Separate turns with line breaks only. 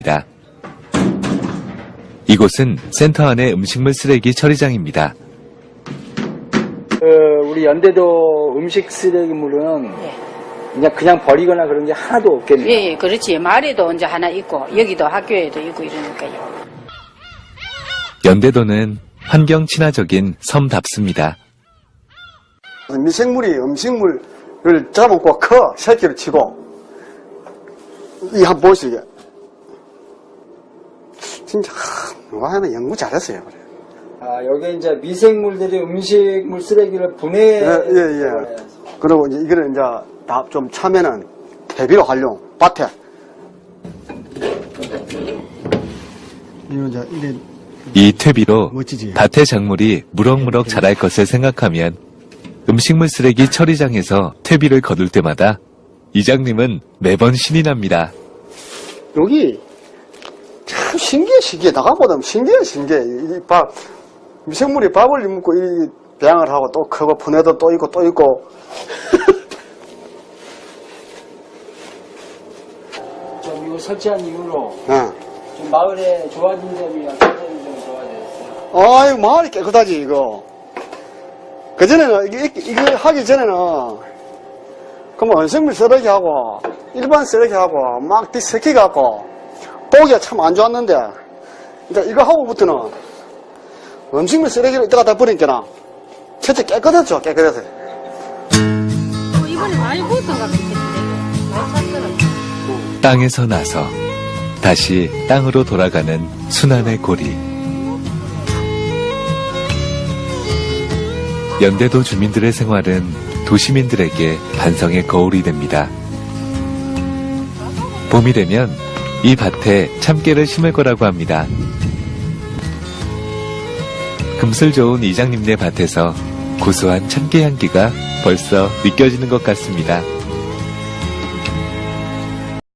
이곳은 센터 안의 음식물 쓰레기 처리장입니다.
우리 연대도 음식 쓰레기물은 그냥 버리거나 그런 게 하나도 없겠네요.
예, 그렇지. 마을에도 이제 하나 있고 여기도 학교에도 있고 이러니까요.
연대도는 환경 친화적인 섬답습니다.
미생물이 음식물을 잡아먹고 커 새끼를 치고 이 한번 보시게 진짜 누가 하나 연구 잘했어요. 그래.
아, 여기 이제 미생물들이 음식물 쓰레기를 분해.
예. 그리고 이제 이거를 이제 다 좀 차면은 퇴비로 활용 밭에. 이거 이제 이래
이 퇴비로
멋지지.
밭의 작물이 무럭무럭 자랄 것을 생각하면 음식물 쓰레기 처리장에서 퇴비를 거둘 때마다 이장님은 매번 신이 납니다.
여기 참 신기해. 나가보다 신기해. 이 밥, 미생물이 밥을 먹고 이 배양을 하고 또 크고 분해도 또 있고.
좀 이거 설치한 이후로
예.
좀 마을에 좋아진 점이 어떤 점이 좀 좋아졌어요?
아유, 마을이 깨끗하지, 이거. 그전에는, 이거 하기 전에는, 그럼 원생물 쓰레기 하고, 일반 쓰레기 하고, 막 뒤섞여갖고, 보기가 참 안 좋았는데, 이제 이거 하고부터는, 음식물 쓰레기를 이따 갖다 버리니까, 첫째 깨끗했죠, 깨끗해서.
이번에 많이 보였던 것 같은데. 많이 샀더라고요.
땅에서 나서 다시 땅으로 돌아가는 순환의 고리. 연대도 주민들의 생활은 도시민들에게 반성의 거울이 됩니다. 봄이 되면 이 밭에 참깨를 심을 거라고 합니다. 금슬 좋은 이장님네 밭에서 고소한 참깨 향기가 벌써 느껴지는 것 같습니다.